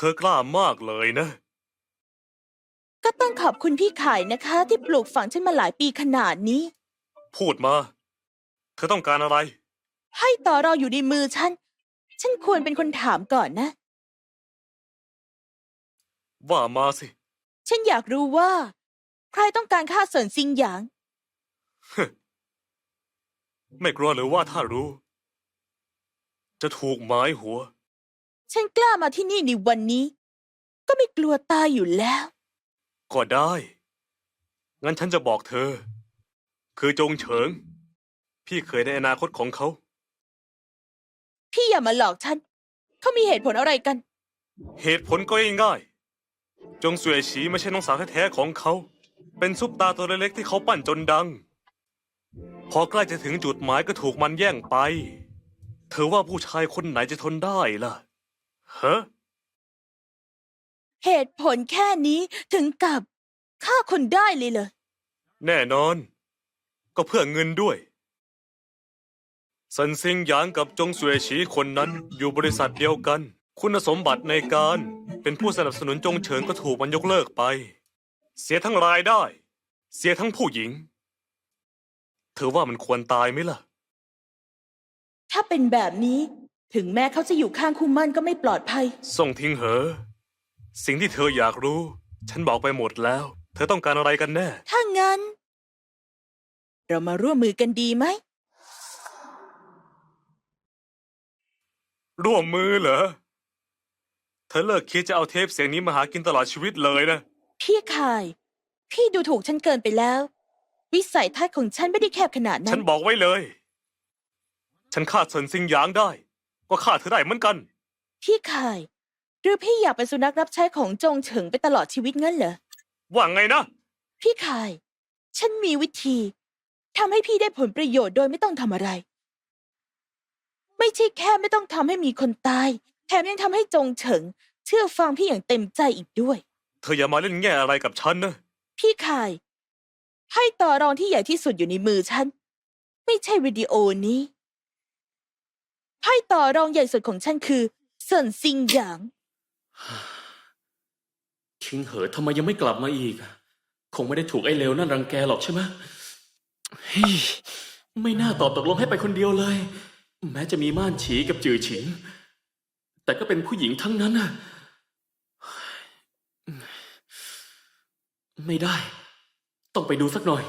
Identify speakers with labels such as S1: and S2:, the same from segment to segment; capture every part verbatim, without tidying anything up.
S1: อกล้ามากเลยนะ
S2: ก็ต้องขอบคุณพี่ขายนะคะ ที่ปลูกฝังฉันมาหลายปีขนาดนี้
S1: พูดมา เธอต้องการอะไร
S2: ให้ต่อรองอยู่ในมือฉัน ฉันควรเป็นคนถามก่อนนะ
S1: ว่ามาสิ
S2: ฉันอยากรู้ว่า ใครต้องการฆ่าเซินซิงหยาง
S1: ไม่กลัวหรือว่าถ้ารู้ จะถูกหมายหัว
S2: ฉันกล้ามาที่นี่ในวันนี้ ก็ไม่กลัวตายอยู่แล้ว
S1: ก็ได้ งั้นฉันจะบอกเธอ คือจงเฉิง พี่เคยในอนาคตของเขา
S2: พี่อย่ามาหลอกฉัน เขามีเหตุผลอะไรกัน
S1: เหตุผลก็ง่ายๆจงเสวยฉีไม่ใช่น้องสาวแท้ๆของเขา เป็นซุปตาตัวเล็กๆที่เขาปั้นจนดัง พอใกล้จะถึงจุดหมายก็ถูกมันแย่งไป เธอว่าผู้ชายคนไหนจะทนได้ล่ะฮะ
S2: เหตุผลแค่นี้ถึงกับฆ่าคนได้เลยเหรอ
S1: แน่นอน ก็เพื่อเงินด้วยซันซิงหยางกับจงเสวยฉีคนนั้นอยู่บริษัทเดียวกัน คุณสมบัติในการเป็นผู้สนับสนุนจงเฉิงก็ถูกมันยกเลิกไป เสียทั้งรายได้ เสียทั้งผู้หญิง เธอว่ามันควรตายไหมล่ะ
S2: ถ้าเป็นแบบนี้ ถึงแม้เขาจะอยู่ข้างคู่มั่นก็ไม่ปลอดภัย
S1: ส่งทิ้งเหอะ สิ่งที่เธออยากรู้ ฉันบอกไปหมดแล้ว เธอต้องการอะไรกันแน่
S2: ถ้างั้น เรามาร่วมมือกันดีไหม
S1: ร่วมมือเหรอ เธอเลิกคิดจะเอาเทปเสียงนี้มาหากินตลอดชีวิตเลยนะ
S2: พี่คาย พี่ดูถูกฉันเกินไปแล้ว วิสัยทัศน์ของฉันไม่ได้แคบขนาดนั้
S1: ฉั
S2: น
S1: นบอกไว้เลย ฉันฆ่าเซินซิงหยางได้ ก็ฆ่าเธอได้เหมือนกัน
S2: พี่คาย หรือพี่อยากเป็นสุนัขรับใช้ของจงเฉิงไปตลอดชีวิตงั้นเหรอ
S1: ว่าไงนะ
S2: พี่คาย ฉันมีวิธีทำให้พี่ได้ผลประโยชน์โดยไม่ต้องทำอะไร ไม่ใช่แค่ไม่ต้องทำให้มีคนตาย แถมยังทำให้จงเฉิง เชื่อฟังพี่อย่างเต็มใจอีกด้วย
S1: เธออย่ามาเล่นแง่อะไรกับฉันนะ
S2: พี่คาย ให้ต่อรองที่ใหญ่ที่สุดอยู่ในมือฉัน ไม่ใช่วิดีโอนี้ไพ่ต่อรองใหญ่สุดของฉันคือเซินซิงหยาง
S3: ทิ้งเหอะทำไมยังไม่กลับมาอีก คงไม่ได้ถูกไอ้เลวนั่นรังแกหรอกใช่ไหมเฮ้ยไม่น่าตอบตกลงให้ไปคนเดียวเลย แม้จะมีม่านฉีกับจือฉิง แต่ก็เป็นผู้หญิงทั้งนั้นน่ะ ไม่ได้ ต้องไปดูสักหน่อย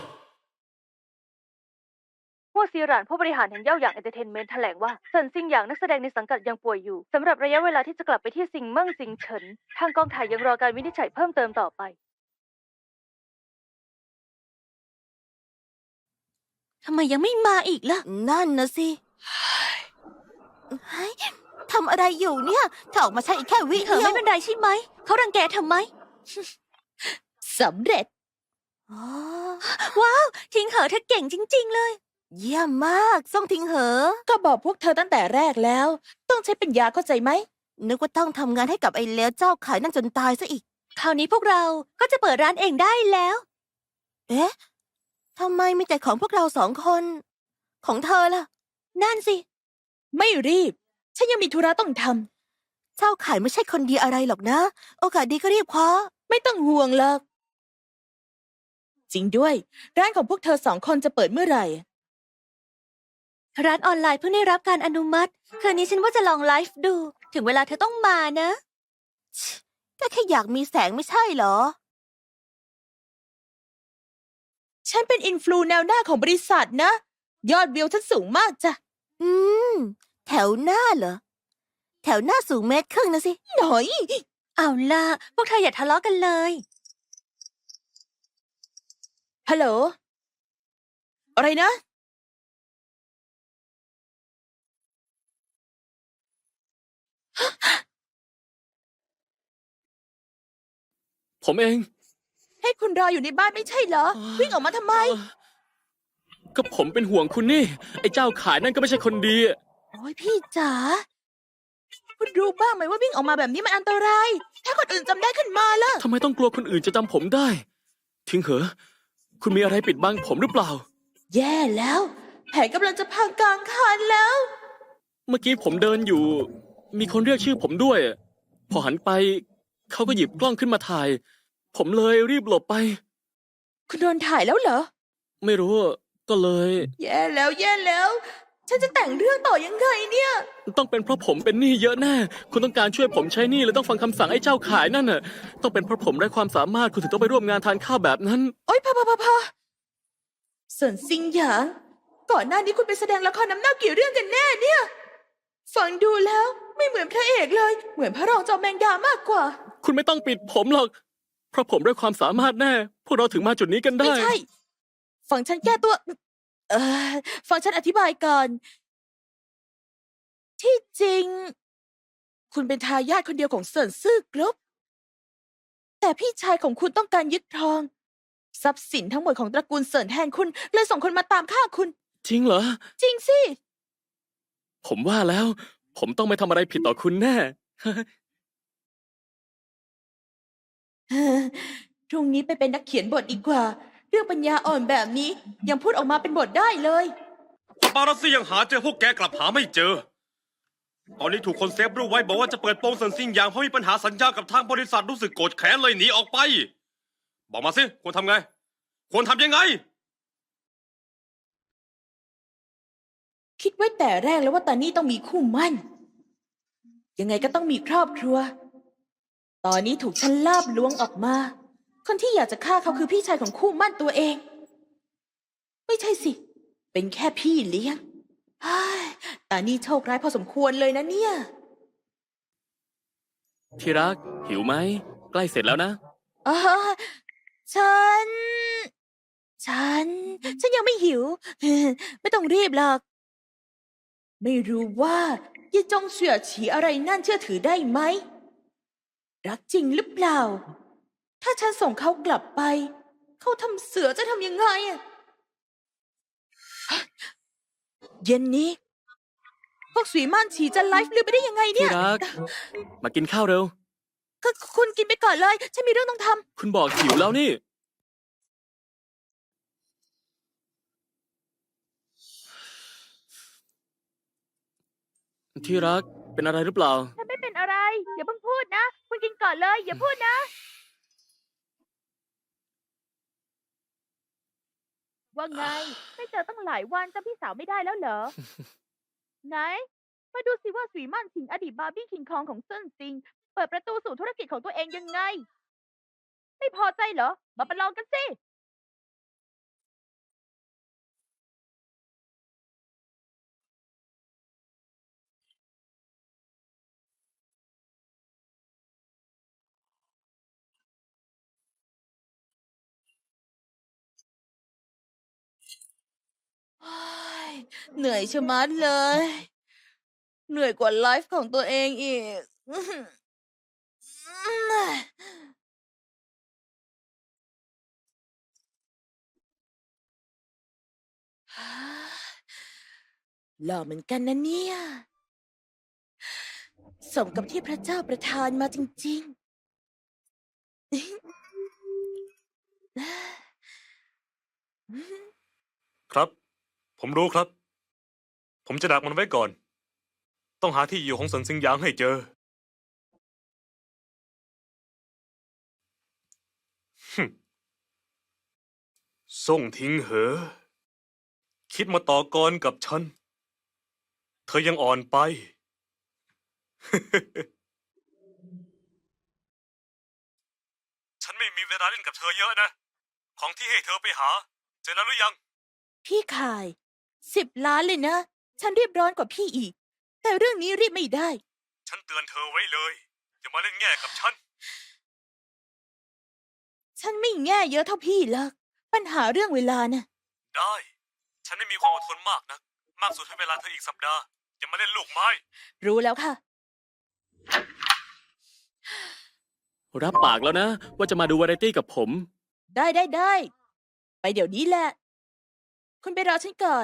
S4: หัวซีหรานผู้บริหารแห่งเย่าหยางเอนเตอร์เทนเมนต์แถลงว่าเซินซิงหยางนักแสดงในสังกัดยังป่วยอยู่สำหรับระยะเวลาที่จะกลับไปที่ซิงเมิ่งซิงเฉินทางกองถ่ายยังรอการวินิจฉัยเพิ่มเติมต่อไปทำไมยังไม่มาอีกล่ะ
S5: นั่นนะสิเฮ้ยทำอะไรอยู่เนี่ยถ้าออกมาใช้อีกแค่วิ
S4: เธอ
S5: เดียว
S4: ไม่เป็นไรใช่ไหมเขารังแกทำไม
S2: สำเร็จ
S5: อ๋อ
S4: ว้าวทิ้งเหอะเธอเก่งจริง ๆ เลย
S5: เยี่ยมมากส่งทิ้งเหอะ
S2: ก็บอกพวกเธอตั้งแต่แรกแล้ว ต้องใช้ปัญญาเข้าใจไหม
S5: นึกว่าต้องทำงานให้กับไอ้เลวเจ้าขายนั่นจนตายซะอีก
S4: คราวนี้พวกเราก็จะเปิดร้านเองได้แล้ว
S5: เอ๊ะทำไมมีแต่ของพวกเราสองคน ของเธอล่ะ
S4: นั่นสิ
S2: ไม่รีบ ฉันยังมีธุระต้องท
S5: เจ้าขายไม่ใช่คนดีอะไรหรอกนะ โอกาสดีก็รีบคว้า
S2: ำไม่ต้องห่วงหรอก จริงด้วย ร้านของพวกเธอสองคนจะเปิดเมื่อไหร่
S4: ร้านออนไลน์เพิ่งได้รับการอนุมัติคืนนี้ฉันว่าจะลองไลฟ์ดู ถึงเวลาเธอต้องมานะ
S5: ก็แค่อยากมีแสงไม่ใช่เหรอ
S2: ฉันเป็นอินฟลูแนวหน้าของบริษัทนะ ยอดวิวฉันสูงมากจ้ะ
S5: อืม แถวหน้าเหรอ แถวหน้าสูงเมตรครึ่งนะสิ
S2: หน่อย
S4: เอาล่ะ พวกเธออย่าทะเลาะกันเลย
S2: ฮัลโหล อะไรนะ
S3: ผมเอง
S2: ให้คุณรออยู่ในบ้านไม่ใช่เหรอ วิ่งออกมาทำไม
S3: ก็ผมเป็นห่วงคุณนี่ ไอ้เจ้าขายนั่นก็ไม่ใช่คนดี
S2: โอ้ยพี่จ๋า คุณรู้บ้างไหมว่าวิ่งออกมาแบบนี้มันอันตราย ถ้าคนอื่นจำได้ขึ้นมาล่ะ
S3: ทำไมต้องกลัวคนอื่นจะจำผมได้ ทิ้งเหอะ คุณมีอะไรปิดบังผมหรือเปล่า
S2: แย่แล้ว แผนกำลังจะพังกลางคันแล้ว
S3: เมื่อกี้ผมเดินอยู่ มีคนเรียกชื่อผมด้วยพอหันไป เขาก็หยิบกล้องขึ้นมาถ่าย ผมเลยรีบหลบไป
S2: คุณโดนถ่ายแล้วเหรอ
S3: ไม่รู้ ก็เลย
S2: แย่แล้วแย่แล้ว ฉันจะแต่งเรื่องต่อยังไงเนี่ย
S3: ต้องเป็นเพราะผมเป็นหนี้เยอะแน่ คุณต้องการช่วยผมใช้หนี้เลยต้องฟังคำสั่งไอ้เจ้าขายนั่นน่ะ ต้องเป็นเพราะผมไร้ความสามารถคุณถึงต้องไปร่วมงานทานข้าวแบบนั้น
S2: โอ๊ยพอพอพอพอเซินซิงหยาง ก่อนหน้านี้คุณไปแสดงละครน้ำเน่ากี่เรื่องกันแน่เนี่ย ฟังดูแล้วไม่เหมือนพระเอกเลย เหมือนพระรองจอมแมงดามากกว่า
S3: คุณไม่ต้องปิดผมหรอก เพราะผมไร้ความสามารถแน่ พวกเราถึงมาจุดนี้กันได้
S2: ไม่ใช่ ฟังฉันแก้ตัว เออฟังฉันอธิบายก่อน ที่จริง คุณเป็นทายาทคนเดียวของเซินซื่อกรุ๊ปแต่พี่ชายของคุณต้องการยึดครอง ทรัพย์สินทั้งหมดของตระกูลเซินแทนคุณ เลยส่งคนมาตามฆ่าคุณ
S3: จริงเหรอ
S2: จริงสิ
S3: ผมว่าแล้ว ผมต้องไม่ทำอะไรผิดต่อคุณแน่
S2: พรุ่งนี้ไปเป็นนักเขียนบทดีกว่า เรื่องปัญญาอ่อนแบบนี้ยังพูดออกมาเป็นบทได้เลย
S6: ปาปารัสซี่ยังหาเจอพวกแกกลับหาไม่เจอ ตอนนี้ถูกคนเซฟรูปไว้บอกว่าจะเปิดโปงเซินซิงหยางเพราะมีปัญหาสัญญากับทางบริษัทรู้สึกโกรธแค้นเลยหนีออกไป บอกมาสิควรทำไง ควรทำยังไง
S2: คิดไว้แต่แรกแล้วว่าตานี่ต้องมีคู่มั่น ยังไงก็ต้องมีครอบครัว ตอนนี้ถูกฉันลาบล้วงออกมา คนที่อยากจะฆ่าเขาคือพี่ชายของคู่มั่นตัวเอง ไม่ใช่สิ เป็นแค่พี่เลี้ยงเฮ้ยตานี่โชคร้ายพอสมควรเลยนะเนี่ย
S3: ที่รัก หิวไหม ใกล้เสร็จแล้วนะ
S2: อ๋อฉัน ฉัน ฉันยังไม่หิว ไม่ต้องรีบหรอก ไม่รู้ว่ายี่จงเสี่ยฉีอะไรนั่นเชื่อถือได้ไหม รักจริงหรือเปล่า ถ้าฉันส่งเขากลับไป เขาทำเสือจะทำยังไงอะเย็นนี้ พวกสุยม่านฉีจะไลฟ์ลืมไปได้ยังไงเนี่
S3: ที่
S2: ย
S3: รัก มากินข้าวเร็ว
S2: ก็คุณกินไปก่อนเลย ฉันมีเรื่องต้องทำ
S3: คุณบอกหิวแล้วนี่ ที่รัก เป็นอะไรหรือเปล่า
S4: ฉันไม่เป็นอะไร อย่าเพิ่งพูดนะ คุณกินก่อนเลย อย่าพูดนะ ว่าไง ไม่เจอตั้งหลายวันจำพี่สาวไม่ได้แล้วเหรอ ไหน มาดูสิว่าสุยมั่นสิงอดีตบาร์บี้คิงคองของเซินซิง เปิดประตูสู่ธุรกิจของตัวเองยังไง ไม่พอใจเหรอ มาประลองกันสิ
S2: โอ้ยเหนื่อยชะมัดเลย เหนื่อยกว่าไลฟ์ของตัวเองอีก หล่อเหมือนกันนะเนี่ย สมกับที่พระเจ้าประทานมาจริงๆ
S1: ครับ ผมรู้ครับ ผมจะดักมันไว้ก่อน ต้องหาที่อยู่ของเซินซิงหยางให้เจอฮึ่มส่งทิ้งเหอ คิดมาต่อกรกับฉัน เธอยังอ่อนไป ฉันไม่มีเวลาเล่นกับเธอเยอะนะ ของที่ให้เธอไปหา เจอแล้วหรือยัง
S2: พี่ขายสิบล้านเลยนะ ฉันรีบร้อนกว่าพี่อีก แต่เรื่องนี้รีบไม่ได้
S1: ฉันเตือนเธอไว้เลย อย่ามาเล่นแง่กับฉัน
S2: ฉันไม่แง่เยอะเท่าพี่หรอกปัญหาเรื่องเวลาน่ะ
S1: ได้ ฉันไม่มีความอดทนมากนะ มากสุดให้เวลาเธออีกสัปดาห์ อย่ามาเล่นลูกไม้
S2: รู้แล้วค่ะ
S3: รับปากแล้วนะ ว่าจะมาดูวาไรตี้กับผม
S2: ได้ได้ได้ ไปเดี๋ยวนี้แหละ คุณไปรอฉันก่อน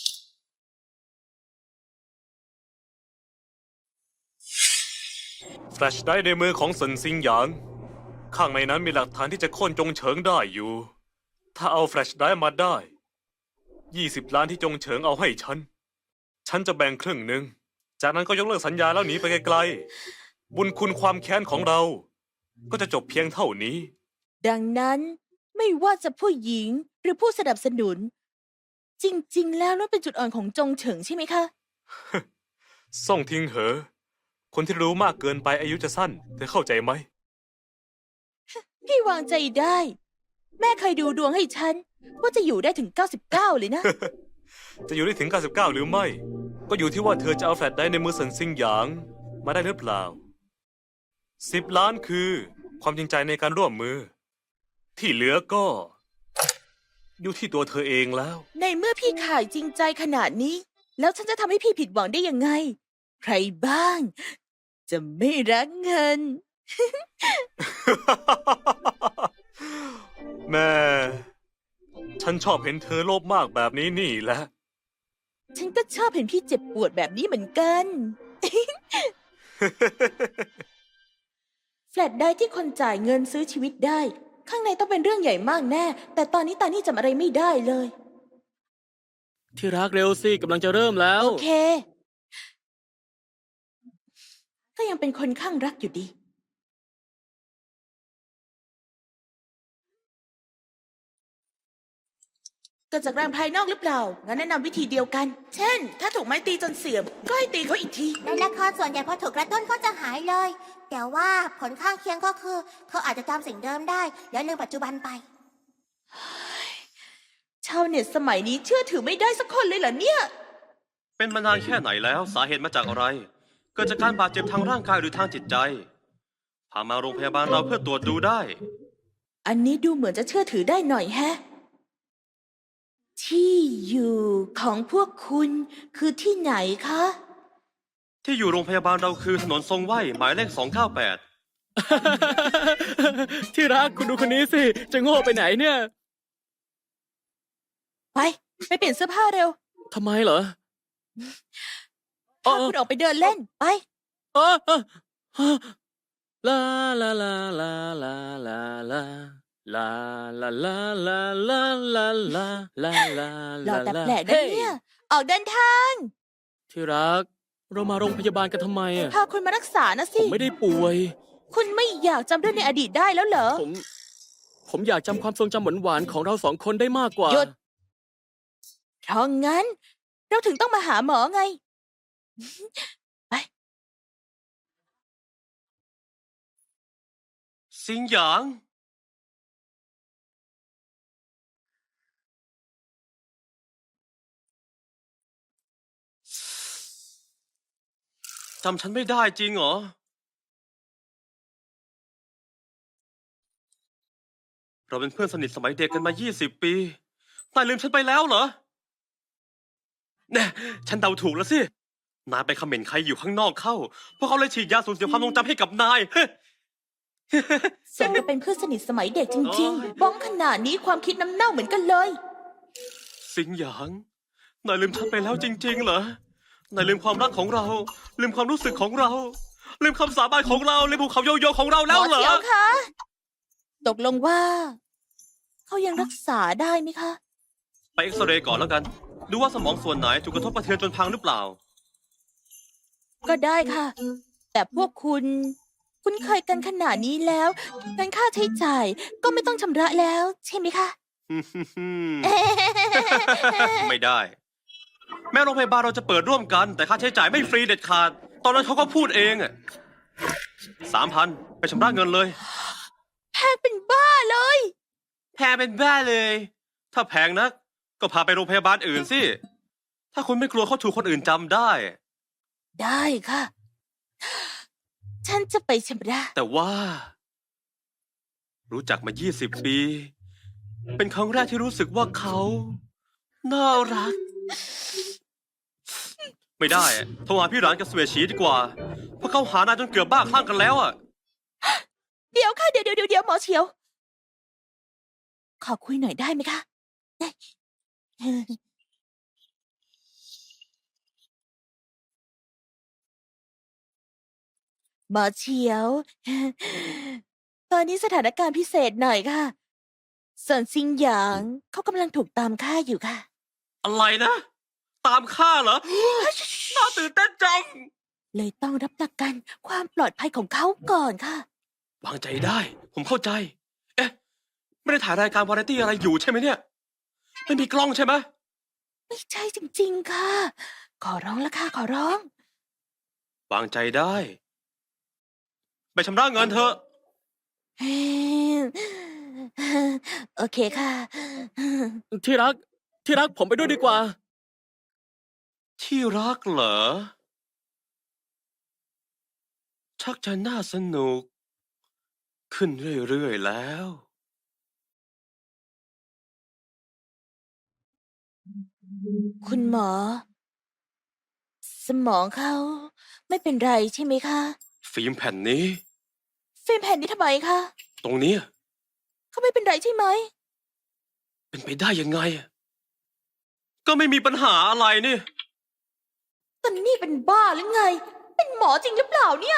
S1: แฟลชไดรฟ์ในมือของเซินซิงหยาง ข้างในนั้นมีหลักฐานที่จะโค่นจงเฉิงได้อยู่ ถ้าเอาแฟลชไดรฟ์มาได้ ยี่สิบล้านที่จงเฉิงเอาให้ฉัน ฉันจะแบ่งครึ่งหนึ่ง จากนั้นก็ยกเลิกสัญญาแล้วหนีไปไกลบุญคุณความแค้นของเรา ก็จะจบเพียงเท่านี้
S2: ดังนั้นไม่ว่าจะผู้หญิงหรือผู้สนับสนุน จริง ๆ แล้วนั่นเป็นจุดอ่อนของจงเฉิงใช่ไหมคะ
S1: ส่งทิ้งเหอะ คนที่รู้มากเกินไปอายุจะสั้น เธอเข้าใจไหม
S2: พี่วางใจได้ แม่เคยดูดวงให้ฉัน ว่าจะอยู่ได้ถึง เก้าสิบเก้า เลยนะ
S1: จะอยู่ได้ถึง เก้าสิบเก้า หรือไม่ ก็อยู่ที่ว่าเธอจะเอาแฟลชไดรฟ์ในมือเซินซิงหยาง มาได้หรือเปล่า สิบ ล้านคือ ความจริงใจในการร่วมมือ ที่เหลือก็ อยู่ที่ตัวเธอเองแล้ว
S2: ในเมื่อพี่ขายจริงใจขนาดนี้ แล้วฉันจะทำให้พี่ผิดหวังได้ยังไง ใครบ้าง จะไม่รักเงิน
S1: แม่ ฉันชอบเห็นเธอโลภมากแบบนี้นี่แหละ
S2: ฉันก็ชอบเห็นพี่เจ็บปวดแบบนี้เหมือนกัน แฟลตได้ที่คนจ่ายเงินซื้อชีวิตได้ ข้างในต้องเป็นเรื่องใหญ่มากแน่ แต่ตอนนี้ตานี่จำอะไรไม่ได้เลย
S3: ที่รักเร็วสิกำลังจะเริ่มแล้ว
S2: โอเค ก็ยังเป็นคนข้างรักอยู่ดี เกิดจากแรงภายนอกหรือเปล่า งั้นแนะนำวิธีเดียวกัน เช่น ถ้าถูกไม้ตีจนเสื่อม ก็ให้ตีเขาอีกที
S5: ในละครส่วนใหญ่พอถูกกระตุ้นก็จะหายเลย แต่ว่าผลข้างเคียงก็คือ เขาอาจจะจำสิ่งเดิมได้ แล้วลืมปัจจุบันไป
S2: ชาวเน็ตสมัยนี้เชื่อถือไม่ได้สักคนเลยเหรอเนี่ย
S6: เป็นมานานแค่ไหนแล้วสาเหตุมาจากอะไร เกิดจากการบาดเจ็บทางร่างกายหรือทางจิตใจ พามาโรงพยาบาลเราเพื่อตรวจดูได้
S2: อันนี้ดูเหมือนจะเชื่อถือได้หน่อยแฮะ ที่อยู่ของพวกคุณคือที่ไหนคะ
S6: ที่อยู่โรงพยาบาลเราคือถนนทรงไหวหมายเลขสองเก้าแปด
S3: ที่รักคุณดูคนนี้สิ จะโง่ไปไหนเนี่ย
S2: ไป ไปเปลี่ยนเสื้อผ้าเร็ว
S3: ทำไมเหรอ
S2: พาคุณออกไปเดินเล่น ไป
S3: เออเออเออลาลาลาลาลาลาลาลาลาลาลาลาลาลาลาลา
S2: หล่อแต่แปลกนะ
S3: เฮ้ย
S2: เนี่ย ออกเดินทาง
S3: ที่รัก เรามาโรงพยาบาลกันทำไมอ่ะ
S2: พาคุณมารักษานะ
S3: ผ
S2: สิ
S3: มไม่ได้ป่วย
S2: คุณไม่อยากจำเรื่องในอดีตได้แล้วเหรอ
S3: ผม ผมอยากจำความทรงจำหวานๆของเราสองคนได้มากกว่า
S2: หยุด เพราะงั้น เราถึงต้องมาหาหมอไง ไป
S6: สิงหยาง จำฉันไม่ได้จริงเหรอ เราเป็นเพื่อนสนิทสมัยเด็กกันมายี่สิบปีนายลืมฉันไปแล้วเหรอแน่ฉันเดาถูกแล้วสิ นายไปคอมเมนต์ใครอยู่ข้างนอกเข้า พวกเขาเลยฉีดยาสูญเสียความทรงจำให้กับนาย
S2: เซนก็เป็นเพื่อนสนิทสมัยเด็กจริง
S6: โอ้ย
S2: ๆ บ้องขนาดนี้ความคิดน้ำเน่าเหมือนกันเลย
S6: สิงหยาง นายลืมฉันไปแล้วจริง ๆ เหรอ นายลืมความรักของเรา ลืมความรู้สึกของเรา ลืมคำสาบานของเรา ลืมภูเขาโยโย่ของเราแล้วเหรอ
S2: หมอเฉียวคะตกลงว่า เขายังรักษาได้ไหมคะ
S6: ไปเอ็กซเรย์ก่อนแล้วกัน ดูว่าสมองส่วนไหนถูกกระทบกระเทือนจนพังหรือเปล่า
S2: ก็ได้ค่ะ แต่พวกคุณ คุณเคยกันขนาดนี้แล้วงั้นค่าใช้จ่ายก็ไม่ต้องชำระแล้ว ใช่ไหมคะ
S6: ไม่ได้ แม้โรงพยาบาลเราจะเปิดร่วมกัน แต่ค่าใช้จ่ายไม่ฟรีเด็ดขาด ตอนนั้นเขาก็พูดเองอะสามพันไปชำระเงินเลย
S2: แพงเป็นบ้าเลย
S6: แพงเป็นบ้าเลย ถ้าแพงนัก ก็พาไปโรงพยาบาลอื่นสิ ถ้าคุณไม่กลัวเขาถูกคนอื่นจำได้
S2: ได้ค่ะ ฉันจะไปชำระ
S6: แต่ว่า รู้จักมายี่สิบปี เป็นครั้งแรกที่รู้สึกว่าเขา น่ารัก ไม่ได้อะโทรหาพี่หลานกับเสวียฉีดีกว่า เพราะเขาหานายจนเกือบบ้าคลั่งกันแล้วอ่ะ
S2: เดี๋ยวค่ะเดี๋ยวเดี๋ยวเดี๋ยวหมอเฉียว ขอคุยหน่อยได้ไหมคะ หมอเฉียว ตอนนี้สถานการณ์พิเศษหน่อยค่ะส่วนซิงหยางเขากำลังถูกตามฆ่าอยู่ค่ะ
S6: อะไรนะ ตามฆ่าเหรอ น่าตื่นเต้นจัง
S2: เลยต้องรับประกันความปลอดภัยของเขาก่อนค่ะ
S6: วางใจได้ ผมเข้าใจ เอ๊ะ ไม่ได้ถ่ายรายการวาไรตี้อะไรอยู่ใช่ไหมเนี่ย ไม่มีกล้องใช่ไหม
S2: ไม่ใช่จริงๆค่ะ ขอร้องละค่ะขอร้อง
S6: วางใจได้ ไปชำระเงินเถอะ
S2: โอเคค่ะ
S3: ที่รัก ที่รักผมไปด้วยดีกว่า
S6: ที่รักเหรอ ชักจะน่าสนุก ขึ้นเรื่อยๆแล้ว
S2: คุณหมอ สมองเขาไม่เป็นไรใช่ไหมคะ
S6: ฟิล์มแผ่นนี้
S2: ฟิล์มแผ่นนี้ทำไมคะ
S6: ตรงเนี้ย
S2: เขาไม่เป็นไรใช่ไหม
S6: เป็นไปได้ยังไงอะก็ไม่มีปัญหาอะไรนี่
S2: ตอนนี่เป็นบ้าหรือไง เป็นหมอจริงหรือเปล่าเนี่ย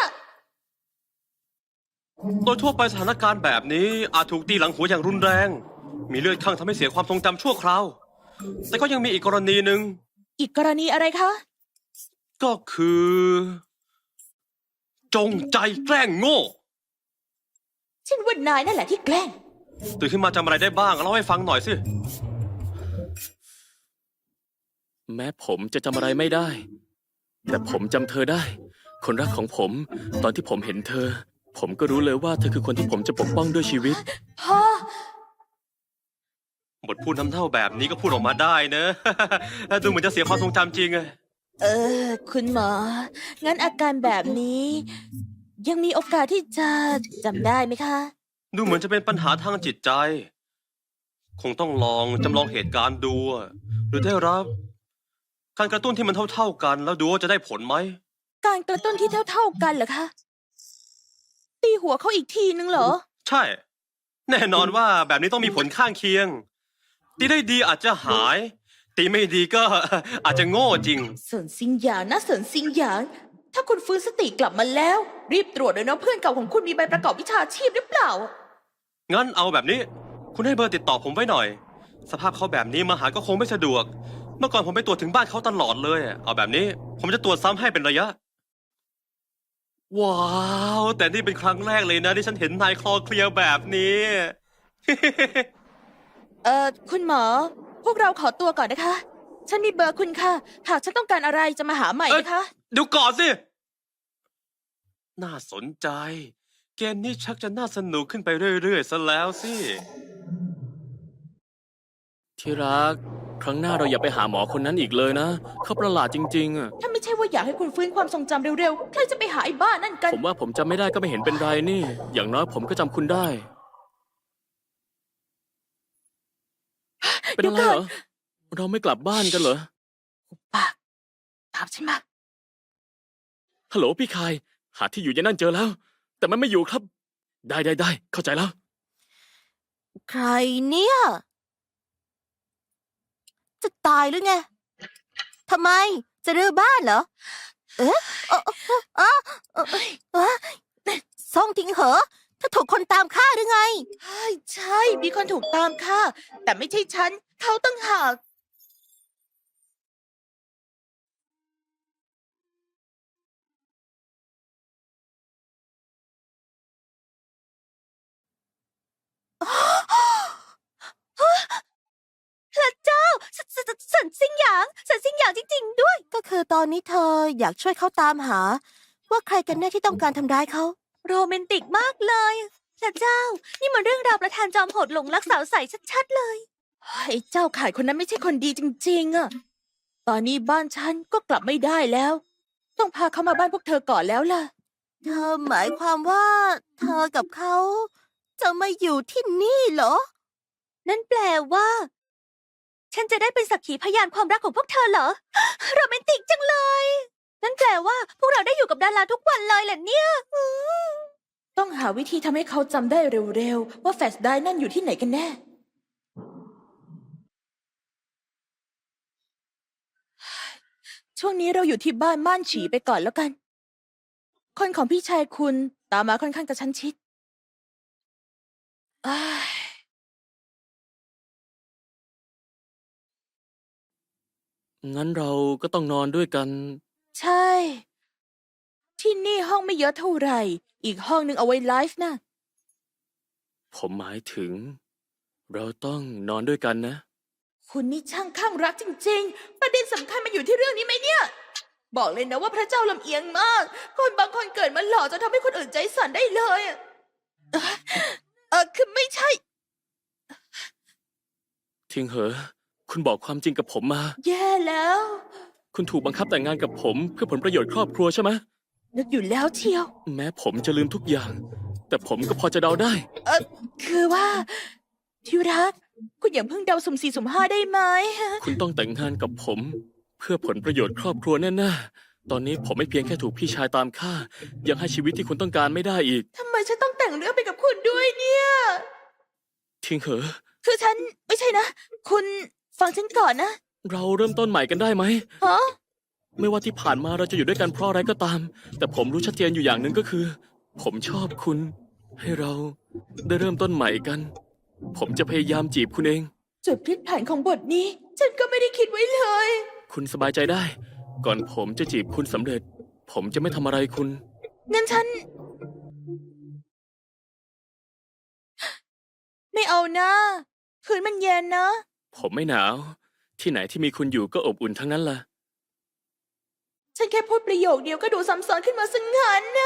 S6: โดยทั่วไปสถานการณ์แบบนี้อาจถูกตีหลังหัวอย่างรุนแรง มีเลือดข้างทำให้เสียความทรงจำชั่วคราว แต่ก็ยังมีอีกกรณีหนึ่ง
S2: อีกกรณีอะไรคะ
S6: ก็คือ จงใจแกล้งโง่
S2: ฉันว่านายนั่นแหละที่แกล้ง
S6: ตื่นขึ้นมาจำอะไรได้บ้างเล่าให้ฟังหน่อยสิ
S3: แม้ผมจะจำอะไรไม่ได้ แต่ผมจำเธอได้ คนรักของผม ตอนที่ผมเห็นเธอ ผมก็รู้เลยว่าเธอคือคนที่ผมจะปกป้องด้วยชีวิต
S2: พ่อ
S6: บทพูดน้ำเท่าแบบนี้ก็พูดออกมาได้เนอะ ดูเหมือนจะเสียความทรงจำจริงอะ
S2: เออ คุณหมอ งั้นอาการแบบนี้ ยังมีโอกาสที่จะจำได้ไหมคะ
S6: ดูเหมือนจะเป็นปัญหาทางจิตใจ คงต้องลองจำลองเหตุการณ์ดูอะหรือได้รับ การกระตุ้นที่มันเท่าๆกัน แล้วดูว่าจะได้ผลไหม
S2: การกระตุ้นที่เท่าๆกันเหรอคะ ตีหัวเขาอีกทีนึงเหรอ
S6: ใช่ แน่นอนว่าแบบนี้ต้องมีผลข้างเคียง ตีได้ดีอาจจะหาย ตีไม่ดีก็ อาจจะโง่จริง
S2: เสินซิงหยางนะเสินซิงหยาง ถ้าคุณฟื้นสติกลับมาแล้ว รีบตรวจเลยนะเพื่อนเก่าของคุณมีใบประกอบวิชาชีพหรือเปล่า
S6: งั้นเอาแบบนี้ คุณให้เบอร์ติดต่อผมไว้หน่อย สภาพเขาแบบนี้มาหาก็คงไม่สะดวก เมื่อก่อนผมไปตรวจถึงบ้านเขาตลอดเลย เอาแบบนี้ ผมจะตรวจซ้ำให้เป็นระยะ ว้าว แต่นี่เป็นครั้งแรกเลยนะที่ฉันเห็นนายคลอเคลียร์แบบนี้
S2: เอ่อ คุณหมอ พวกเราขอตัวก่อนนะคะ ฉันมีเบอร์คุณค่ะ หากฉันต้องการอะไรจะมาหาใหม่นะคะ
S6: เดี๋ยวก่อนสิ น่าสนใจ เกมนี้ชักจะน่าสนุกขึ้นไปเรื่อยๆซะแล้วสิ
S3: ที่รัก ครั้งหน้าเราอย่าไปหาหมอคนนั้นอีกเลยนะ เขาประหลาดจริงๆอะ
S2: ถ้าไม่ใช่ว่าอยากให้คุณฟื้นความทรงจำเร็วๆ ใครจะไปหาไอ้บ้านั่นกัน
S3: ผมว่าผมจำไม่ได้ก็ไม่เห็นเป็นไรนี่ อย่างน้อยผมก็จำคุณได้ เป็นอะไรเหรอ เราไม่กลับบ้านกันเหรอ
S2: ปาก ตามฉันมา
S3: ฮัลโหลพี่คาย หาที่อยู่ยายนั่นเจอแล้ว แต่มันไม่อยู่ครับ ได้ได้ได้เข้าใจแล้ว
S5: ใครเนี่ย จะตายหรือไง ทำไม จะรื้อบ้านเหรอ เอ๊ะเอะเอะเอะเอะเอะซ่องทิ้งเหอะถ้าถูกคนตามฆ่าหรือไง
S2: ใช่ใช่ มีคนถูกตามฆ่า แต่ไม่ใช่ฉัน เขาตั้งหาก
S5: พระเจ้าสสสสันซิงหยางสันซิงหยางจริงๆด้วย ก็คือตอนนี้เธออยากช่วยเขาตามหา ว่าใครกันแน่ที่ต้องการทำร้ายเขา โรแมนติกมากเลยพระเจ้า นี่มันเรื่องราวประธานจอมโหดหลงรักสาวใสชัดๆเลย
S2: ไอ้เจ้าขายคนนั้นไม่ใช่คนดีจริงๆอะตอนนี้บ้านฉันก็กลับไม่ได้แล้ว ต้องพาเขามาบ้านพวกเธอก่อนแล้วล่ะ
S5: เธอหมายความว่า เธอกับเขา จะมาอยู่ที่นี่เหรอ นั่นแปลว่า ฉันจะได้เป็นสักขีพยานความรักของพวกเธอเหรอ โรแมนติกจังเลย นั่นแปลว่า พวกเราได้อยู่กับดาราทุกวันเลยเหรอเนี่ยอืม
S2: ต้องหาวิธีทำให้เขาจำได้เร็วๆ ว่าแฟลชไดรฟ์นั่นอยู่ที่ไหนกันแน่ ช่วงนี้เราอยู่ที่บ้านม่านฉีไปก่อนแล้วกัน คนของพี่ชายคุณตามมาค่อนข้างกระชั้นชิดอ้าย
S3: งั้นเราก็ต้องนอนด้วยกัน
S2: ใช่ที่นี่ห้องไม่เยอะเท่าไหร่ อีกห้องนึงเอาไว้ไลฟ์นะ
S3: ผมหมายถึง เราต้องนอนด้วยกันนะ
S2: คุณนี่ช่างข้างรักจริงๆ ประเด็นสำคัญมันอยู่ที่เรื่องนี้ไหมเนี่ย บอกเลยนะว่าพระเจ้าลำเอียงมาก คนบางคนเกิดมาหล่อจนทำให้คนอื่นใจสั่นได้เลยอะเอ่อเออคือไม่ใช่
S3: ทิงเหอ คุณบอกความจริงกับผมมา
S2: แย่แล้ว
S3: คุณถูกบังคับแต่งงานกับผมเพื่อผลประโยชน์ครอบครัวใช่ไหม
S2: นึกอยู่แล้วเชียว
S3: แม้ผมจะลืมทุกอย่าง แต่ผมก็พอจะเดาได้
S2: เออคือว่าที่รัก คุณอย่าเพิ่งเดาสุ่มสี่สุ่มห้าได้ไหม
S3: คุณต้องแต่งงานกับผม เพื่อผลประโยชน์ครอบครัวแน่ๆ ตอนนี้ผมไม่เพียงแค่ถูกพี่ชายตามฆ่า ยังให้ชีวิตที่คุณต้องการไม่ได้อีก
S2: ทำไมฉันต้องแต่งเรื่องไปกับคุณด้วยเนี่ย
S3: ทิงเหอ
S2: คือฉันไม่ใช่นะ คุณฟังฉันก่อนนะ
S3: เราเริ่มต้นใหม่กันได้ไหม
S2: ฮะ
S3: ไม่ว่าที่ผ่านมาเราจะอยู่ด้วยกันเพราะอะไรก็ตาม แต่ผมรู้ชัดเจนอยู่อย่างหนึ่งก็คือ ผมชอบคุณ ให้เราได้เริ่มต้นใหม่กัน ผมจะพยายามจีบคุณเอง
S2: จุดพลิกผันของบทนี้ ฉันก็ไม่ได้คิดไว้เลย
S3: คุณสบายใจได้ ก่อนผมจะจีบคุณสำเร็จ ผมจะไม่ทำอะไรคุณ
S2: งั้นฉัน ไม่เอานะคืนมันเย็นนะ
S3: ผมไม่หนาว ที่ไหนที่มีคุณอยู่ก็อบอุ่นทั้งนั้นล่ะ
S2: ฉันแค่พูดประโยคเดียวก็ดูซ้ำซ้อนขึ้นมาสังหารนะ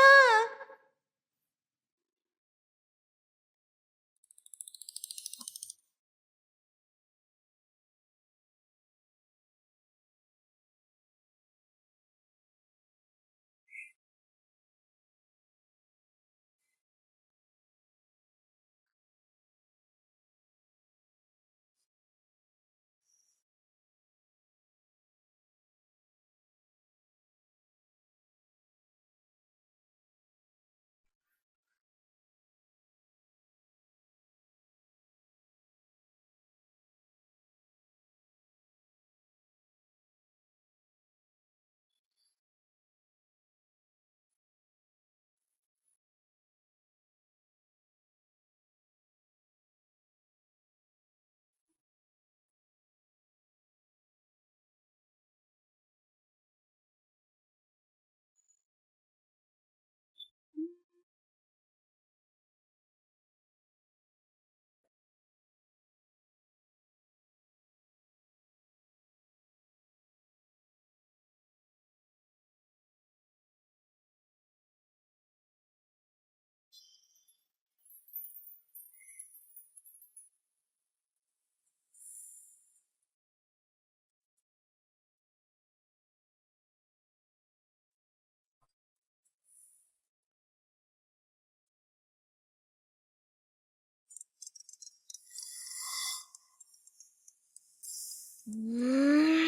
S2: อืม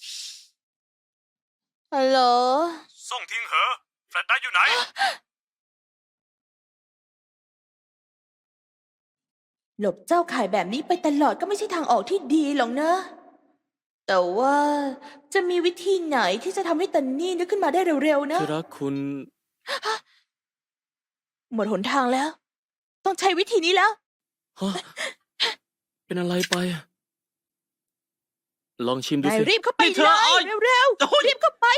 S2: ฮัลโหล
S1: ส่งทิ้งเหอะแฟลชได้อยู่ไหน
S2: หลบเจ้าข่ายแบบนี้ไปตลอดก็ไม่ใช่ทางออกที่ดีหรอกนะ แต่ว่าจะมีวิธีไหนที่จะทำให้ตันนี่นึกขึ้นมาได้เร็วๆนะ
S3: ที่รักคุณ
S2: หมดหนทางแล้ว ต้องใช้วิธีนี้แล้ว
S3: ฮะ เป็นอะไรไป ลองชิมดู
S2: นาย
S3: สิ
S2: รีบเข้าไป
S6: นี่เธ
S2: เล
S6: อเอา
S2: ยเร็ว
S6: โอ้ย
S2: ๆรีบเข้าไป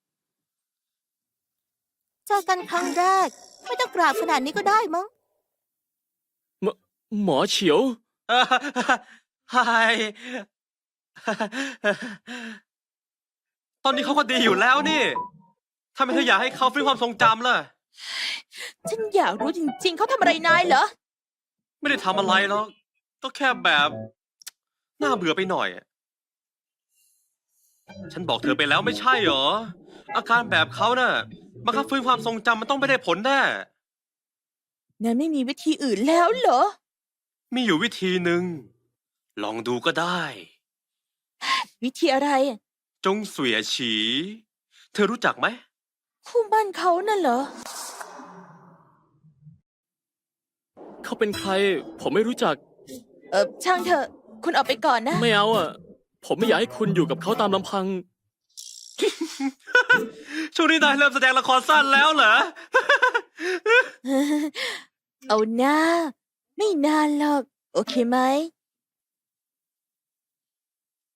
S5: เจอกันครั้งแรก ไม่ต้องกราบขนาดนี้ก็ได้มั้ง
S3: หมหมอเฉียว
S6: เอ่อไฮตอนนี้เขาก็ดีอยู่แล้วนี่ทำไมเธออยากให้เขาฟื้นความทรงจำล่ะ
S2: ฉันอยากรู้จริงๆ เขาทำอะไรนายเหรอ
S6: ไม่ได้ทำอะไรหรอกก็แค่แบบ น่าเบื่อไปหน่อย ฉันบอกเธอไปแล้วไม่ใช่เหรอ อาการแบบเขาน่ะบังคับฟื้นความทรงจำมันต้องไม่ได้ผลแน่
S2: นายไม่มีวิธีอื่นแล้วเหรอ
S6: มีอยู่วิธีหนึ่ง ลองดูก็ได้
S2: วิธีอะไร
S6: จงเสวียฉี เธอรู้จักไหม
S2: คู่บ้านเขาน่ะเหรอ
S3: เขาเป็นใคร ผมไม่รู้จัก
S2: เออช่างเถอะ คุณออกไปก่อนนะ
S3: ไม่เอาอ่ะ ผมไม่อยากให้คุณอยู่กับเขาตามลำพัง
S6: ช่วงนี้นายเริ่มแสดงละครสั้นแล้วเหรอ
S2: เอาหน้า ไม่นานหรอก โอเคไหม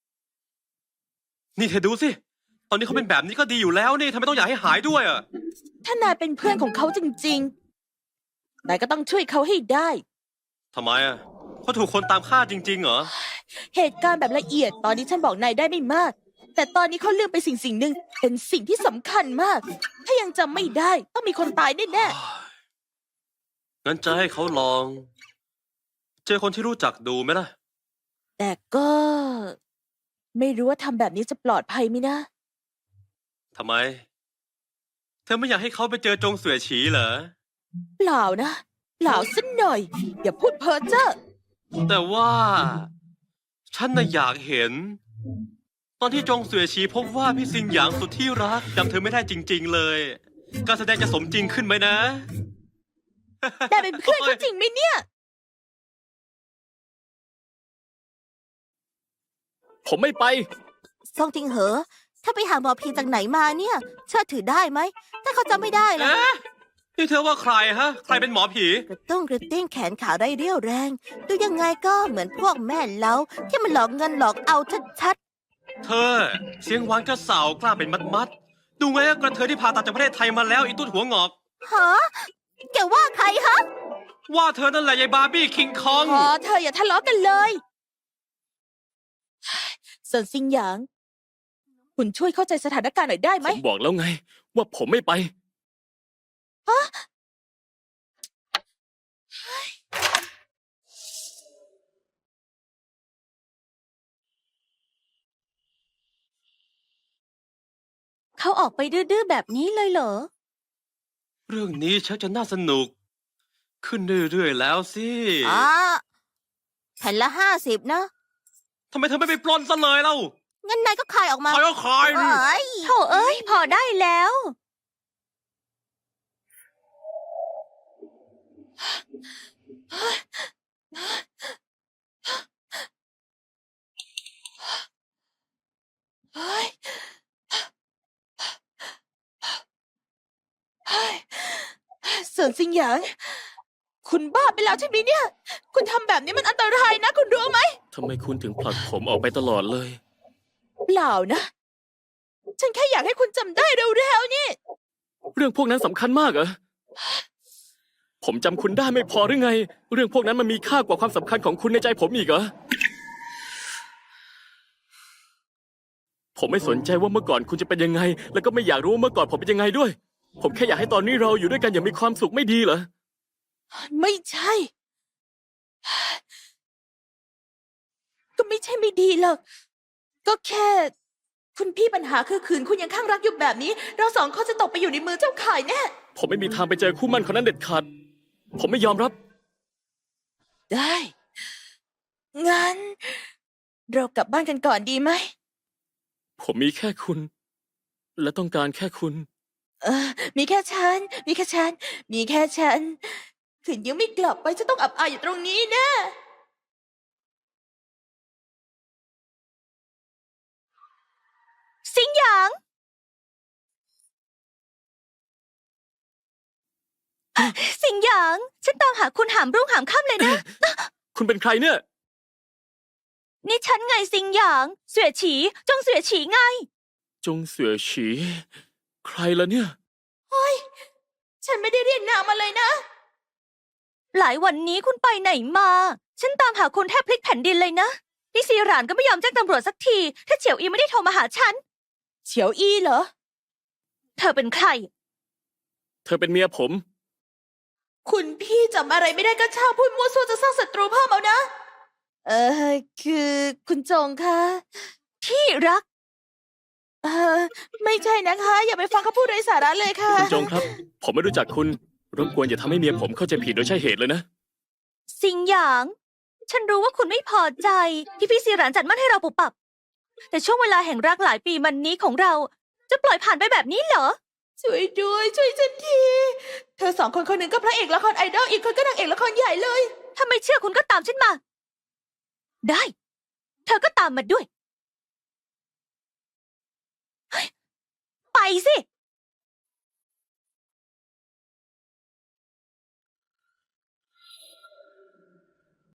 S6: นี่เธอดูสิ ตอนนี้เขาเป็นแบบนี้ก็ดีอยู่แล้วนี่ทำไมต้องอยากให้หายด้วยอ่ะ
S2: ถ้านายเป็นเพื่อนของเขาจริงๆ นายก็ต้องช่วยเขาให้ได้
S6: ทำไมอ่ะเขาถูกคนตามฆ่าจริงๆเหรอ
S2: เหตุการณ์แบบละเอียดตอนนี้ฉันบอกนายได้ไม่มาก แต่ตอนนี้เขาลืมไปสิ่งสิ่งหนึ่งเป็นสิ่งที่สำคัญมาก ถ้ายังจำไม่ได้ต้องมีคนตายแน่
S6: งั้นจะให้เขาลอง เจอคนที่รู้จักดูไหมล่ะ
S2: ๆแต่ก็ ไม่รู้ว่าทำแบบนี้จะปลอดภัยไหมนะ
S6: ทำไม เธอไม่อยากให้เขาไปเจอจงเสวยฉีเหรอ
S2: เปล่านะเปล่าสักหน่อย อย่าพูดเพ้อเจ้อ
S6: แต่ว่า ฉันน่ะอยากเห็น ตอนที่จงเสวยฉีพบว่าพี่ซิงหยางสุดที่รักจำเธอไม่ได้จริง ๆ เลย การแสดงจะสมจริงขึ้นไหมนะ
S2: แต่เป็นเพื่อนเขาจริงไหมเนี่ย
S3: ผมไม่ไป
S5: ซองจิงเหอ ถ้าไปหาหมอผีจากไหนมาเนี่ย เชื่อถือได้ไหม ถ้าเขาจำไม่ได้ล่ะ
S6: เอ๊ะนี่เธอว่าใครฮะ ใครเป็นหมอผี
S5: กระตุ้งกระติ้งแขนขาได้เรี่ยวแรง ดูยังไงก็เหมือนพวกแม่เล้าที่มันหลอกเงินหลอกเอาชัด
S6: เธอ เสียงหวานกระสาวกล้าเป็นมัดมัดๆดูไงกระเทยที่ผ่าตัดจากประเทศไทยมาแล้วอีตุ้นหัวงอก
S5: ๆฮะแกว่าใครฮะ
S6: ว่าเธอนั่นแหละยายบาร์บี้คิงคอง
S2: พอเธออย่าทะเลาะกันเลยเซินซิงหยาง คุณช่วยเข้าใจสถานการณ์หน่อยได้ไห
S3: ผม มบอกแล้วไง ว่าผมไม่ไป
S5: เขาออกไปดื้อๆแบบนี้เลยเหรอ
S6: เรื่องนี้ชักจะน่าสนุก ขึ้นเรื่อยๆแล้วสิ
S5: อ๋อแผ่นละห้าสิบนะ
S6: ทำไมเธอไม่ไปปล้นซะเลยเล่า
S5: งั้นนายก็ขายออกมา
S6: ใครก็ขายดิ
S5: เอ้ยโถเอ้ย พอได้แล้ว
S2: เฮ้ยเฮ้ยเซินซิงหยาง คุณบ้าไปแล้วใช่ไหมเนี่ย คุณทำแบบนี้มันอันตรายนะ คุณรู้ไหม
S3: ทำไมคุณถึงผลักผมออกไปตลอดเลย
S2: เปล่านะ ฉันแค่อยากให้คุณจำได้เร็วๆนี่
S3: เรื่องพวกนั้นสำคัญมากเหรอ ผมจำคุณได้ไม่พอหรือไง เรื่องพวกนั้นมันมีค่ากว่าความสำคัญของคุณในใจผมอีกเหรอ ผมไม่สนใจว่าเมื่อก่อนคุณจะเป็นยังไง แล้วก็ไม่อยากรู้ว่าเมื่อก่อนผมเป็นยังไงด้วย ผมแค่อยากให้ตอนนี้เราอยู่ด้วยกันอย่างมีความสุขไม่ดีเหรอ
S2: ไม่ใช่ ก็ไม่ใช่ไม่ดีหรอก ก็แค่ คุณพี่ปัญหาคือขืนคุณยังข้างรักอยู่แบบนี้ เราสองคนจะตกไปอยู่ในมือเจ้าข่ายแน่
S3: ผมไม่มีทางไปเจอคู่หมั่นคนนั้นเด็ดขาด ผมไม่ยอมรับ
S2: ได้ งั้น เรากลับบ้านกันก่อนดีไหม
S3: ผมมีแค่คุณ และต้องการแค่คุณ
S2: เออ มีแค่ฉัน มีแค่ฉัน มีแค่ฉันขืนยังไม่กลับไปจะต้องอับอายอยู่ตรงนี้แนะ
S5: สิงหยาง สิงหยาง ฉันตามหาคุณหามรุ่งหามค่ำเลยนะ
S3: คุณเป็นใครเนี่ย
S5: นี่ฉันไงสิงหยาง เสวยฉี จงเสวยฉีไง
S3: จงเสือฉี ใครล่ะเนี่ย
S2: ฉันไม่ได้เรียกนามมาเลยนะ
S5: หลายวันนี้คุณไปไหนมา ฉันตามหาคุณแทบพลิกแผ่นดินเลยนะ นี่ซีหรานก็ไม่ยอมแจ้งตำรวจสักที ถ้าเฉียวอีไม่ได้โทรมาหาฉัน
S2: เฉียวอี้เหรอ
S5: เธอเป็นใคร
S3: เธอเป็นเมียผม
S2: คุณพี่จำอะไรไม่ได้ก็ช่างพูดมั่วซั่วจะสร้างศัตรูเพิ่มเอานะ เออ คือคุณจงคะ
S5: ที่รัก
S2: เออ ไม่ใช่นะคะ อย่าไปฟังเขาพูดไร้สาระเลยค่ะ
S3: คุณจงครับ ผมไม่รู้จักคุณ รบกวนอย่าทำให้เมียผมเข้าใจผิดโดยใช่เหตุเลยนะ
S5: สิงหยาง ฉันรู้ว่าคุณไม่พอใจ ที่พี่ซีหรานจัดมั่นให้เราปุบปับ แต่ช่วงเวลาแห่งรักหลายปีมันนี้ของเรา จะปล่อยผ่านไปแบบนี้เหรอ
S2: ช่วยด้วยช่วยฉันที เธอสองคนคนหนึ่งก็พระเอกละครไอดอลอีกคนก็นางเอกละครใหญ่เลย
S5: ถ้าไม่เชื่อคุณก็ตามฉันมา ได้ เธอก็ตามมาด้วยเฮ้ยไปสิ